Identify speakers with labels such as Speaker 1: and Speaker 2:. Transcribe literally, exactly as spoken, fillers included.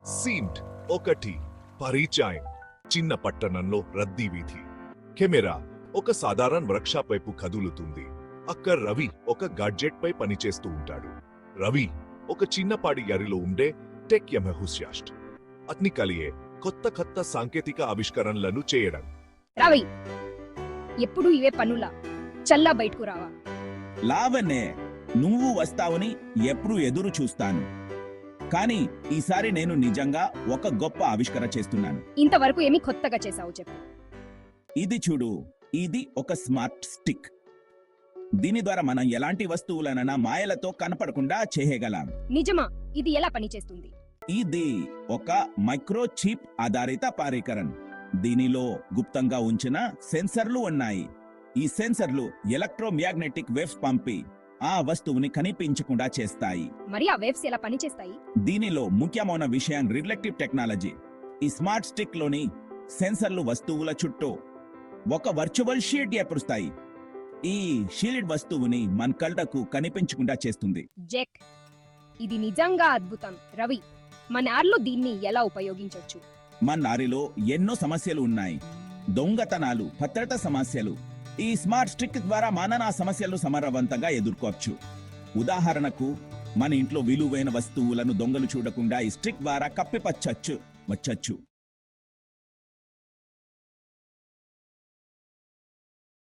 Speaker 1: Seemed ఒకటి పరిచయం చిన్న పట్టణంలో రద్దీ వీధి కెమెరా ఒక సాధారణ వర్క్షాప్ వైపు కదులుతుంది. అక్కడ రవి ఒక గాడ్జెట్ పై పనిచేస్తూ ఉంటాడు. రవి ఒక చిన్నపాటి గరిలో ఉండే టెక్ ఎంతూసియాస్ట్. అతని కలియే కొత్త కొత్త సాంకేతిక ఆవిష్కరణలను చేయడం.
Speaker 2: రవి ఎప్పుడు ఇవే పనులా చల్లా బయటకు రావా?
Speaker 3: లావణ్యే, నువ్వు వస్తావని ఎప్పుడు ఎదురు చూస్తాను. కానీ ఈసారి నేను నిజంగా ఒక గొప్ప ఆవిష్కరణ చేస్తున్నాను.
Speaker 2: ఇంతవరకు ఏమి కొత్తగా చేసావు చెప్పు.
Speaker 3: ఇది చూడు, ఇది ఒక స్మార్ట్ స్టిక్. దీని ద్వారా మనం ఎలాంటి వస్తువులనైనా మాయలతో కనపడకుండా చేయగలం.
Speaker 2: నిజమా? ఇది ఎలా పనిచేస్తుంది?
Speaker 3: ఇది ఒక మైక్రోచిప్ ఆధారిత పరికరం. దీనిలో గుప్తంగా ఉంచిన సెన్సర్లు ఉన్నాయి. ఈ సెన్సర్లు ఎలక్ట్రోమాగ్నెటిక్ వేవ్స్ పంపి ఆ వస్తువుని కనిపించకుండా చేస్తాయి.
Speaker 2: మరి ఆ వేవ్స్ ఎలా పనిచేస్తాయి?
Speaker 3: దీనిలో ముఖ్యమైన విషయం రిఫ్లెక్టివ్ టెక్నాలజీ. ఈ స్మార్ట్ స్టిక్ లోని సెన్సర్లు వస్తువుల చుట్టూ ఒక వర్చువల్ షీట్ ఏర్పరుస్తాయి. ఈ షీల్డ్ వస్తువుని మన కళ్ళకు కనిపించకుండా చేస్తుంది.
Speaker 2: జెక్, ఇది నిజంగా అద్భుతం. రవి, మన ఆర్లో దీన్ని ఎలా ఉపయోగించొచ్చు?
Speaker 3: మన నారిలో ఎన్నో సమస్యలు ఉన్నాయి. దొంగతనాలు, భద్రత సమస్యలు. ఈ స్మార్ట్ స్టిక్ ద్వారా మనం ఆ సమస్యలు సమర్థవంతంగా ఎదుర్కోవచ్చు. ఉదాహరణకు, మన ఇంట్లో విలువైన వస్తువులను దొంగలు చూడకుండా ఈ స్టిక్ ద్వారా కప్పిపచ్చచ్చు వచ్చచ్చు.